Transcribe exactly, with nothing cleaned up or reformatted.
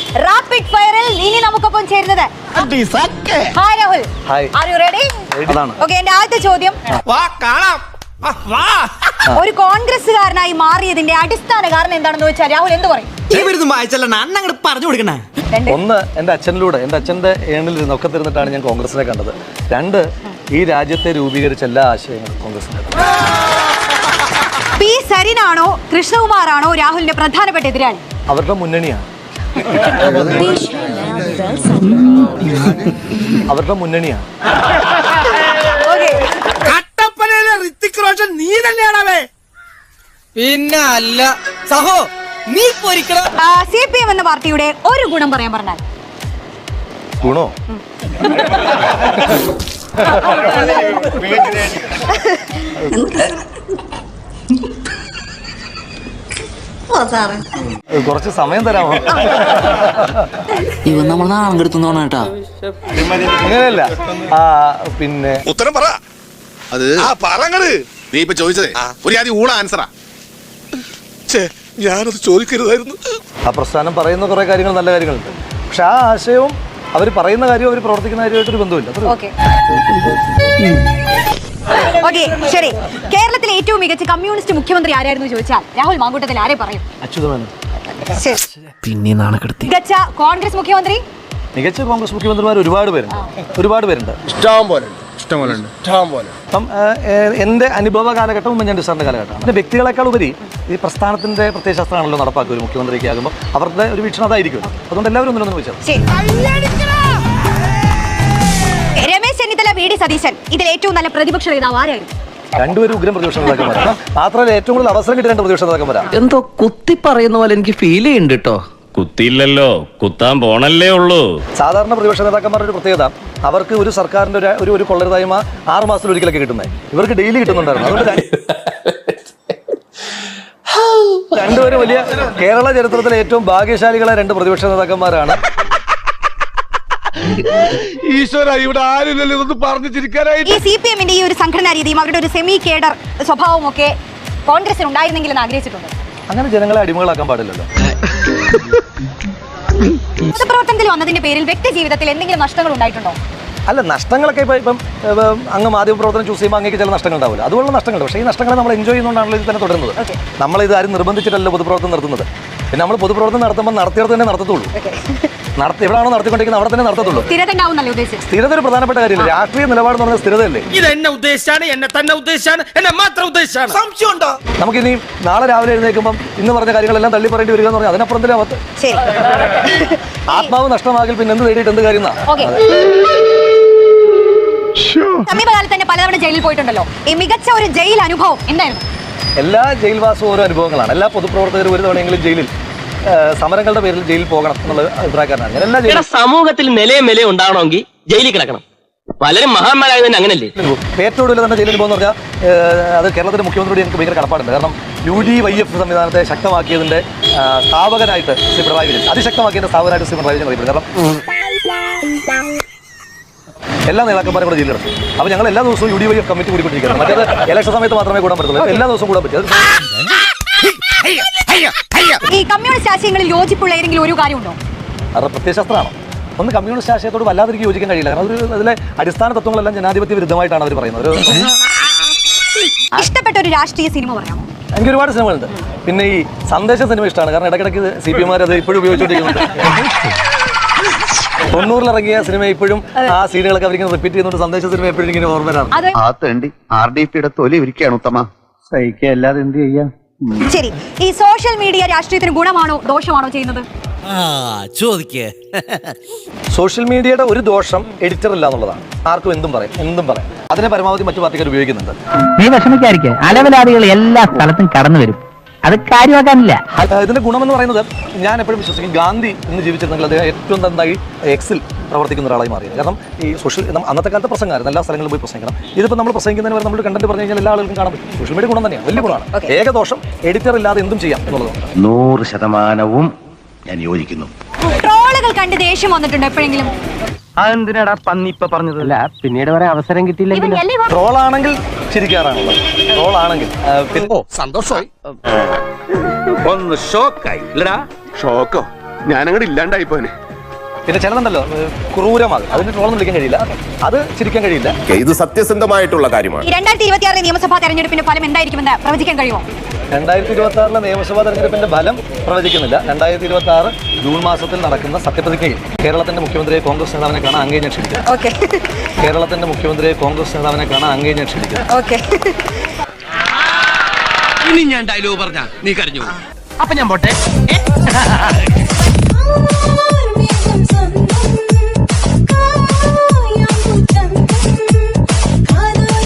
Rapid ഫയറിൽ ഇനി നമുക്കൊപ്പം ചേരുന്നത് hi Rahul. Are you ready? Okay, എന്റെ ആദ്യത്തെ ചോദ്യം, ഒരു കോൺഗ്രസ്സുകാരനായി മാറിയതിന്റെ അടിസ്ഥാന കാരണം എന്താണെന്ന് വെച്ചാൽ രാഹുൽ എന്ത് പറയും? പറഞ്ഞു കൊടുക്കണേ. ഒന്ന്, എന്റെ അച്ഛനിലൂടെ, എന്റെ അച്ഛന്റെ ഏണിൽ ഒക്കെ തിരുന്നിട്ടാണ് ഞാൻ കോൺഗ്രസിനെ കണ്ടത്. രണ്ട്, ഈ രാജ്യത്തെ രൂപീകരിച്ച എല്ലാ ആശയങ്ങളും കോൺഗ്രസിന്റെ. പി സരിനാണോ കൃഷ്ണകുമാറാണോ രാഹുലിന്റെ പ്രധാനപ്പെട്ട എതിരാളി? അവരുടെ മുന്നണിയാണ്. അവരുടെ മുന്നണിയാണ്. നീ തന്നെയാണേ. പിന്നെ അല്ല സഹോ, നീ സി പി എം എന്ന പാർട്ടിയുടെ ഒരു ഗുണം പറയാൻ പറഞ്ഞാൽ? ഗുണോ? കുറച്ച് സമയം തരാമോ? ഇവ നമ്മൾ നാളെ എടുത്തോണ കേട്ടാ. അങ്ങനെയല്ല, പിന്നെ ഉത്തരം പറ. അത് പറങ്ങട്. നീ ഇപ്പൊ ചോദിച്ചതേ ഒരു ആദ്യം ഊള ആൻസറാ. ഞാനത് ചോദിക്കരുതായിരുന്നു. ആ പ്രസ്ഥാനം പറയുന്ന കുറെ കാര്യങ്ങൾ, നല്ല കാര്യങ്ങളുണ്ട്. പക്ഷെ ആ ആശയവും അവർ പറയുന്ന കാര്യവും അവർ പ്രവർത്തിക്കുന്ന കാര്യമായിട്ടൊരു ബന്ധമില്ല. ഓക്കെ, ശരി. കേരളത്തിലെ ഏറ്റവും മികച്ച കമ്മ്യൂണിസ്റ്റ് മുഖ്യമന്ത്രി ആരായിരുന്നു ചോദിച്ചാൽ രാഹുൽ മാങ്കൂട്ടത്തിൽ ആരെ പറയും? അച്യുതമേനോൻ. പിന്നെ നാണക്കെടുത്തി. മികച്ച കോൺഗ്രസ് മുഖ്യമന്ത്രി? മികച്ച കോൺഗ്രസ് മുഖ്യമന്ത്രിമാർ ഒരുപാട് പേരുണ്ട്, ഒരുപാട് പേരുണ്ട്, ഇഷ്ടം പോലെ ഇഷ്ടം പോലെ ഇഷ്ടം പോലെ. അപ്പം എൻ്റെ അനുഭവ കാലഘട്ടം ഉമ്മൻചാണ്ടി സാറിൻ്റെ കാലഘട്ടമാണ്. പിന്നെ വ്യക്തികളെക്കാൾ ഉപരി ഈ പ്രസ്ഥാനത്തിന്റെ പ്രത്യയശാസ്ത്രമാണല്ലോ നടപ്പാക്കുക. ഒരു മുഖ്യമന്ത്രിക്ക് ആകുമ്പോൾ അവരുടെ ഒരു വീക്ഷണം അതായിരിക്കും. അതുകൊണ്ട് എല്ലാവരും ഒന്നിനൊന്നും വിളിച്ചത്. രമേശ് ചെന്നിത്തല, വി ഡി സതീശൻ, ഇതിൽ ഏറ്റവും നല്ല പ്രതിപക്ഷ നേതാവ് ആരായിരുന്നു? രണ്ടുപേരും ഉഗ്രം പ്രതിപക്ഷ നേതാക്കന്മാരാണ്. മാത്രമല്ല ഏറ്റവും കൂടുതൽ അവസരം കിട്ടിയ രണ്ട് പ്രതിപക്ഷ നേതാക്കന്മാരാണ്. എന്തോ കുത്തി പറയുന്ന പോലെ എനിക്ക് ഫീൽ ചെയ്യുന്നുണ്ട് കേട്ടോ. കുത്തിയില്ലല്ലോ, കുത്താൻ പോണല്ലേ ഉള്ളൂ. സാധാരണ പ്രതിപക്ഷ നേതാക്കന്മാരുടെ ഒരു പ്രത്യേകത, അവർക്ക് ഒരു സർക്കാരിന്റെ ഒരു ഒരു കൊള്ളരുതായ്മ ആറ് മാസത്തിൽ ഒരിക്കലൊക്കെ കിട്ടുന്നത്. ഇവർക്ക് ഡെയിലി കിട്ടുന്നുണ്ടായിരുന്നു. അതുകൊണ്ട് രണ്ടുപേരും വലിയ കേരള ചരിത്രത്തിലെ ഏറ്റവും ഭാഗ്യശാലികളായ രണ്ട് പ്രതിപക്ഷ നേതാക്കന്മാരാണ്. ഈശ്വര, ഇവിടെ ആരില്ലല്ലോ ഇതൊന്നും പറഞ്ഞു ചിരിക്കാനായിട്ട്. ഈ സി പി എമ്മിന്റെ ഈ ഒരു സംഘടനാ രീതിയും അവരുടെ ഒരു സെമി കേഡർ സ്വഭാവവും ഒക്കെ കോൺഗ്രസിന് ഉണ്ടായിരുന്നെങ്കിൽ എന്ന് ആഗ്രഹിച്ചിട്ടുണ്ട്. അങ്ങനെ ജനങ്ങളെ അടിമകളാക്കാൻ പാടില്ലല്ലോ. പൊതുപ്രവർത്തനത്തിൽ വന്നതിന്റെ പേരിൽ വ്യക്തി ജീവിതത്തിൽ എന്തെങ്കിലും നഷ്ടങ്ങൾ ഉണ്ടായിട്ടുണ്ടോ? അല്ല, നഷ്ടങ്ങളൊക്കെ ഇപ്പം ഇപ്പം അങ്ങ് മാധ്യമപ്രവർത്തനം ചൂസ് ചെയ്യുമ്പോൾ അങ്ങേക്ക് ചില നഷ്ടങ്ങൾ ഉണ്ടാവില്ല. അതുപോലുള്ള നഷ്ടങ്ങളുണ്ട്. പക്ഷേ ഈ നഷ്ടങ്ങളെ നമ്മൾ എൻജോയ് ചെയ്യുന്നതുകൊണ്ടാണല്ലോ ഇത് തന്നെ തുടരുന്നത്. നമ്മളിത് ആരും നിർബന്ധിച്ചിട്ടല്ലോ പൊതുപ്രവർത്തനം നടത്തുന്നത്. പിന്നെ നമ്മൾ പൊതുപ്രവർത്തനം നടത്തുമ്പോൾ നടത്തിയത് തന്നെ നടത്തത്തുള്ളൂ. നടത്തി എവിടെയാണോ നടത്തിക്കൊണ്ടിരിക്കുന്നത് അവിടെ തന്നെ നടത്തത്തുള്ളൂ. സ്ഥിരത ഒരു പ്രധാനപ്പെട്ട കാര്യമില്ല. രാഷ്ട്രീയ നിലപാട് എന്ന് പറഞ്ഞാൽ സ്ഥിരതയല്ലേ. ഇത് എന്നെ ഉദ്ദേശിച്ചാണ്, എന്നെ തന്നെ ഉദ്ദേശിച്ചാണ്, എന്നെ മാത്രം ഉദ്ദേശിച്ചാണ്. സംശയമുണ്ടോ? നമുക്കിനി നാളെ രാവിലെ എഴുന്നേൽക്കുമ്പോൾ ഇന്ന് പറഞ്ഞ കാര്യങ്ങളെല്ലാം തള്ളി പറയേണ്ടി വരിക എന്ന് പറഞ്ഞാൽ അതിനപ്പുറത്തിലെ അവത്ത് ആത്മാവ് നഷ്ടമാകിൽ പിന്നെ എന്ത് നേടിയിട്ട് എന്ത് കാര്യം? സമീപകാലത്ത് തന്നെ പലതവണ ജയിലിൽ പോയിട്ടുണ്ടല്ലോ. ഈ മികച്ച ഒരു ജയിൽ അനുഭവം എന്തായിരുന്നു? എല്ലാ ജയിൽവാസവും ഓരോ അനുഭവങ്ങളാണ്. എല്ലാ പൊതുപ്രവർത്തകരും ഒരു തവണയെങ്കിലും ജയിലിൽ സമരങ്ങളുടെ പേരിൽ ജയിലിൽ പോകണം എന്നുള്ള അഭിപ്രായക്കാരനാണ് ഞാൻ. എല്ലാ സമൂഹത്തിൽ നിലയും വിലയും ഉണ്ടാവണമെങ്കിൽ ജയിലിൽ കിടക്കണം. പലരും മഹാന്മാരായ തന്നെ അങ്ങനല്ലേ. ഏറ്റവും കൂടുതൽ തന്നെ ജയിലിൽ പോകുന്ന പറഞ്ഞാൽ അത് കേരളത്തിലെ മുഖ്യമന്ത്രിയോട് എനിക്ക് ഭയങ്കര കടപ്പാടുണ്ട്. കാരണം യു ഡി വൈ എഫ് സംവിധാനത്തെ ശക്തമാക്കിയതിന്റെ സ്ഥാപകനായിട്ട് ശ്രീ പിണറായി വിജയൻ, അതിശക്തമാക്കിയതിന്റെ സ്ഥാപകനായിട്ട് ശ്രീ പിണറായി വിജയൻ അറിയപ്പെടും. കാരണം എല്ലാ നേതാക്കന്മാരും കൂടെ ജയിലിൽ കിടക്കും. അപ്പോൾ ഞങ്ങൾ എല്ലാ ദിവസവും U D Y F committee കൂടിക്കൊണ്ടിരിക്കുന്നത്. മറ്റേത് ഇലക്ഷൻ സമയത്ത് മാത്രമേ കൂടാൻ പറ്റുള്ളൂ. എല്ലാ ദിവസവും കൂടാൻ പറ്റും. ഈ കമ്മ്യൂണിസ്റ്റ് ആശയങ്ങളിൽ യോജിപ്പുള്ള ഏതെങ്കിലും ഒരു കാര്യമുണ്ടോ? അവരുടെ പ്രത്യയശാസ്ത്രമാണോ? ഒന്ന് കമ്മ്യൂണിസ്റ്റ് ആശയത്തോട് വല്ലാതിരിക്കും യോജിക്കാൻ കഴിയില്ല. കാരണം ഒരു അതിലെ അടിസ്ഥാന തത്വങ്ങളെല്ലാം ജനാധിപത്യ വിരുദ്ധമായിട്ടാണ് അവർ പറയുന്നത്. ഇഷ്ടപ്പെട്ട ഒരു രാഷ്ട്രീയ സിനിമ പറയാമോ? എനിക്ക് ഒരുപാട് സിനിമകളുണ്ട്. പിന്നെ ഈ സന്ദേശ സിനിമ ഇഷ്ടമാണ്. കാരണം ഇടയ്ക്കിടയ്ക്ക് സി പി എമാർ അത് ഇപ്പോഴും ഉപയോഗിച്ചുകൊണ്ടിരിക്കുന്നുണ്ട്. തൊണ്ണൂറിൽ ഇറങ്ങിയ സിനിമ ഇപ്പോഴും ആ സീനുകളൊക്കെ അവരിങ്ങനെ റിപ്പീറ്റ് ചെയ്യുന്നുണ്ട്. സന്ദേശ സിനിമ എപ്പോഴും ഇങ്ങനെ ഓർമ്മ വരാറ്. ആർ ഡി പിയുടെ തൊലി ഇരിക്കുകയാണ് ഉത്തമ. സഹിക്കുക, അല്ലാതെ എന്ത് ചെയ്യാം. ശരി, ഈ സോഷ്യൽ മീഡിയ രാഷ്ട്രീയത്തിന് ഗുണമാണോ ദോഷമാണോ ചെയ്യുന്നത്? ചോദിക്കേ. സോഷ്യൽ മീഡിയയുടെ ഒരു ദോഷം എഡിറ്റർ ഇല്ല എന്നുള്ളതാണ്. ആർക്കും എന്തും പറയാം, എന്തും പറയാം. അതിനെ പരമാവധി മറ്റു പാർട്ടിക്കാർ ഉപയോഗിക്കുന്നുണ്ട്. നീ വിഷമിക്കാതിരിക്കുക, അലവലാദികൾ എല്ലാ സ്ഥലത്തും കടന്നു വരും. അത് കാര്യമാക്കാനില്ല. ഇതിന്റെ ഗുണമെന്ന് പറയുന്നത് ഞാൻ എപ്പോഴും വിശ്വസിക്കും, ഗാന്ധി ഇന്ന് ജീവിച്ചിരുന്നെങ്കിൽ അദ്ദേഹം ഏറ്റവും നന്നായി എക്സിൽ പ്രവർത്തിക്കുന്ന ഒരാളായി മാറിയത്. കാരണം ഈ സോഷ്യൽ അന്നത്തെ കാലത്ത് പ്രസംഗമായിരുന്നു, എല്ലാ സ്ഥലങ്ങളിലും പോയി പ്രസംഗിക്കണം. ഇതിപ്പോൾ നമ്മൾ പ്രസംഗിക്കുന്നതിന് വരെ നമ്മൾ കണ്ടന്റ് പറഞ്ഞു കഴിഞ്ഞാൽ എല്ലാ ആളുകൾക്കും കാണാൻ പറ്റും. സോഷ്യൽ മീഡിയ ഗുണം തന്നെയാണ്, വലിയ ഗുണമാണ്. ഏകദോഷം എഡിറ്റർ ഇല്ലാതെ എന്തും ചെയ്യാം എന്നുള്ളതാണ്. നൂറ് ശതമാനവും ഞാൻ യോജിക്കുന്നു. ട്രോളുകൾ കണ്ട് ദേഷ്യം വന്നിട്ടുണ്ട് എപ്പോഴെങ്കിലും? അതെന്തിനാടാ പന്നി ഇപ്പൊ പറഞ്ഞതല്ല, പിന്നീട് വരെ അവസരം കിട്ടിയില്ലെങ്കിൽ. ട്രോളാണെങ്കിൽ ചിരിക്കാറാണുള്ളത്. ട്രോളാണെങ്കിൽ സന്തോഷമായി. ഒന്ന് ഷോക്കായി. ഷോക്കോ? ഞാനങ്ങോട്ട് ഇല്ലാണ്ടായിപ്പോനെ. പിന്നെ ചിലതുണ്ടല്ലോ ക്രൂരമാകും, അതിന് ട്രോളൊന്നും വിളിക്കാൻ കഴിയില്ല, അത് ചിരിക്കാൻ കഴിയില്ല. ഇത് സത്യസന്ധമായിട്ടുള്ള കാര്യമാണ്. ഈ രണ്ടായിരത്തി ഇരുപത്തി ആറിലെ നിയമസഭാ തെരഞ്ഞെടുപ്പിന്റെ ഫലം എന്തായിരിക്കുമെന്ന് പ്രവചിക്കാൻ കഴിയുമോ? രണ്ടായിരത്തി ഇരുപത്തി ആറിലെ നിയമസഭാ തെരഞ്ഞെടുപ്പിന്റെ ഫലം പ്രവചിക്കുന്നില്ല. രണ്ടായിരത്തി ഇരുപത്തി ആറ് ജൂൺ മാസത്തിൽ നടക്കുന്ന സത്യപ്രതിജ്ഞയിൽ കേരളത്തിന്റെ മുഖ്യമന്ത്രിയെ കോൺഗ്രസ് നേതാവിനെ കാണാൻ അങ്ങേ ഞാൻ ക്ഷണിക്കുന്നു. ഓക്കെ. കേരളത്തിന്റെ മുഖ്യമന്ത്രിയെ കോൺഗ്രസ് നേതാവിനെ കാണാൻ അങ്ങേ ഞാൻ ക്ഷണിക്കുന്നു. ഓക്കെ. ഇനി ഞാൻ ഡയലോഗ് പറഞ്ഞ നീ കരഞ്ഞു. അപ്പൊ ഞാൻ പോട്ടെ.